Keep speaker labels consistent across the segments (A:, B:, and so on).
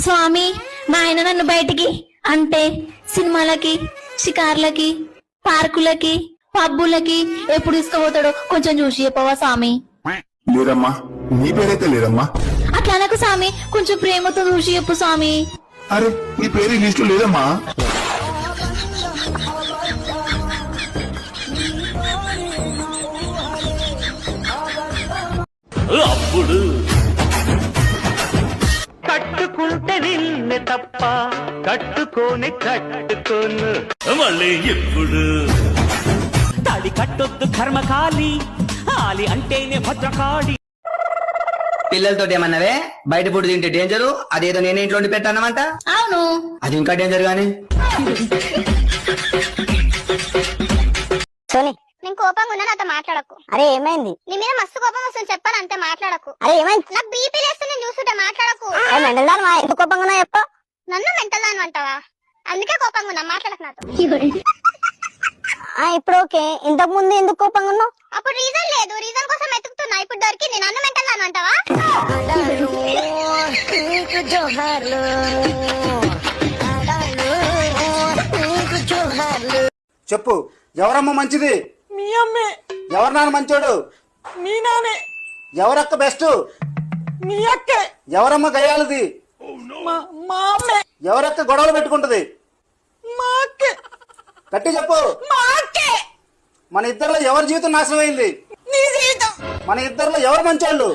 A: స్వామి మా ఆయన నన్ను బయటికి అంటే సినిమాలకి, షికార్లకి, పార్కులకి, పబ్బులకి ఎప్పుడు తీసుకుపోతాడో కొంచెం చూసి చెప్పవా స్వామి?
B: లేదమ్మా, నీ పేరైతే లేదమ్మా.
A: అట్లా నాకు స్వామి, కొంచెం ప్రేమతో చూసి చెప్పు స్వామి.
B: అరే నీ పేరు లిస్ట్ లో లేదమ్మా.
C: అప్పుడు కట్టుకుంటే నిన్ను తప్ప కట్టుకోను మళ్ళీ ఎప్పుడు తాళి కట్టొద్దు కర్మకాలి, ఆలి అంటేనే భద్రకాళి.
D: పిల్లలతో ఏమన్నావే? బయట ఫుడ్ తింటే డేంజరు, అదేదో నేనే ఇంట్లో వండి పెట్టానమంట.
A: అవును,
D: అది ఇంకా డేంజర్ గానీ.
E: సోని,
F: నేను కోపంగా ఉన్నా, నాతో మాట్లాడకు.
E: అరే ఏమైంది?
F: నీ మీద మస్తు కోపం వస్తుంది, చెప్పాను అంతే, మాట్లాడకు.
E: అరే ఏమైంది?
F: నాకు బీపీ లేస్తే నేను చూస్తుంటే మాట్లాడకు.
E: మెంటల్ దాని ఎందుకు కోపంగా ఉన్నా చెప్ప.
F: నన్ను మెంటల్ దాని అంటావా? అందుకే కోపంగా ఉన్నా, మాట్లాడకు నాతో.
E: ఇప్పుడు ఓకే, ఇంతకు ముందు ఎందుకు కోపంగా ఉన్నావు?
F: అప్పుడు రీజన్ లేదు, రీజన్ కోసం వెతుకుతున్నా, ఇప్పుడు దొరికింది. నన్ను మెంటల్ దాని అంటావా?
G: చెప్పు, ఎవరమ్మ మంచిది?
H: మీ అమ్మే.
G: ఎవరు నాన్న మంచోడు?
H: మీ నానే.
G: ఎవరక్క బెస్ట్?
H: మీ అక్కే.
G: ఎవరమ్మ గయాలది?
H: మా అమ్మే.
G: ఎవరక్క గొడవలు పెట్టుకుంటది?
H: మా అక్కే.
G: గట్టి చెప్పు.
H: మా అక్కే.
G: మన ఇద్దరిలో ఎవరి జీవితం నాశనం అయింది?
H: నీ జీవితం.
G: మన ఇద్దరిలో ఎవరు మంచోళ్ళు?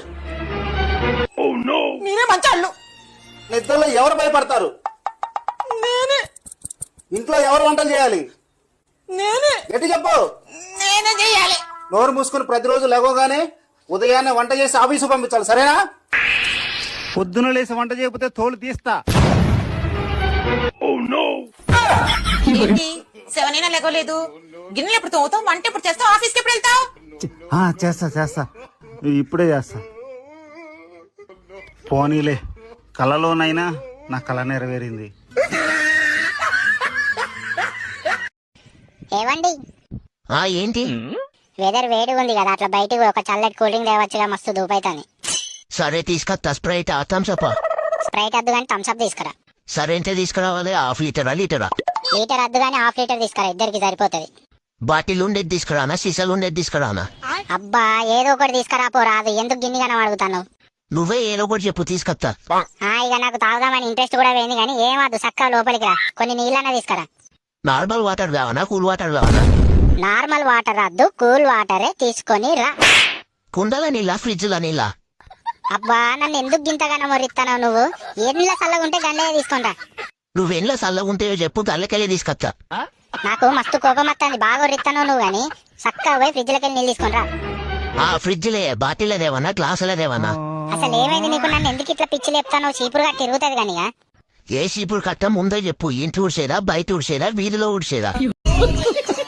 H: మీరే మంచాళ్ళు.
G: మన ఇద్దరిలో ఎవరు భయపడతారు?
H: నేనే.
G: ఇంట్లో ఎవరు వంటలు చేయాలి?
H: నేనే.
G: గట్టి చెప్పు.
H: నేనే చేయాలి.
G: నోరు మూసుకుని ప్రతిరోజు లేవగానే ఉదయాన్నే వంట చేసి ఆఫీసు పంపించాలి, సరేనా? పొద్దున లేసి వంట చేయకపోతే తోలు తీస్తా.
H: ఏంటి 7 అయినా లేకోలేదు? గిన్నెలు ఎప్పుడు తోముతావు? వంట ఎప్పుడు చేస్తావు? ఆఫీస్కి ఎప్పుడు వెళ్తావు?
G: చేస్తా ఇప్పుడే చేస్తా. పోనీలే, కలలోనైనా నా కళ నెరవేరింది.
E: ఏవండి,
I: ఏంటి?
E: వెదర్ వేడిగా ఉంది కదా, అట్లా బయటికి ఒక చల్లటి కూల్ డ్రింక్ తేవచ్చుగా, మస్తు దూపైతాని.
I: సరే తీసుకొస్తా. Sprite Thums up?
E: స్ప్రైట్ వద్దు కానీ థమ్స్ అప్ తీసుకురా.
I: సరే ఎంత తీసుకురావాలి? హాఫ్ లీటరా లీటరా?
E: లీటర్ వద్దు కానీ హాఫ్ లీటర్ తీసుకురా, ఇద్దరికి సరిపోతుంది.
I: బాటిల్ ఉండేది తీసుకురానా, సీసాలు ఉండేది తీసుకురానా?
E: అబ్బా ఏదో ఒకటి తీసుకురా పో, రాదు. ఎందుకు గిన్ని గానం అడుగుతాను?
I: నువ్వే ఏదో ఒకటి చెప్పు, తీసుకొస్తా.
E: ఇక నాకు తాగుదామని ఇంట్రెస్ట్ కూడా పోయింది కానీ ఏమద్దు, చక్కగా లోపలికి రా. కొన్ని నీళ్ళన్నా తీసుకురా.
I: నార్మల్ వాటర్ కావాలా, కూల్ వాటర్ కావాలా?
E: నార్మల్ వాటర్ వద్దు, కూల్ వాటరే తీసుకొని రా.
I: కుండల నీళ్ళ, ఫ్రిడ్జ్ లో నీళ్ళ?
E: అబ్బా నన్ను ఎందుకు గింతగానో మొరిస్తావు నువ్వు? ఎన్నిలా చల్లగా ఉంటే గండయ్య తీసుకుంటా.
I: నువ్వెన్లో చల్లగుంటే చెప్పు, గల్లకెళ్ళి తీసుకొస్తా.
E: నాకు మస్తు కోపం వస్తుంది, బాగా ఒరిస్తాను నువ్వు గాని. చక్కగా పోయి ఫ్రిడ్జ్ లోకి నీళ్ళు తీసుకుంటా.
I: ఫ్రిడ్జ్ లే, బాటిల్ దేవన్నా, గ్లాసుల దేవన్నా?
E: అసలు ఏమైంది నీకు? నన్ను ఎందుకు ఇట్లా పిచ్చి లేపుతాను? చీపురుగా తిరుగుతుంది కానీ.
I: ఏ చీపురు కట్ట ముందే చెప్పు. ఇంటి ఊడ్చేదా, బయట ఊడ్చేదా, వీధిలో ఊడ్చేదా?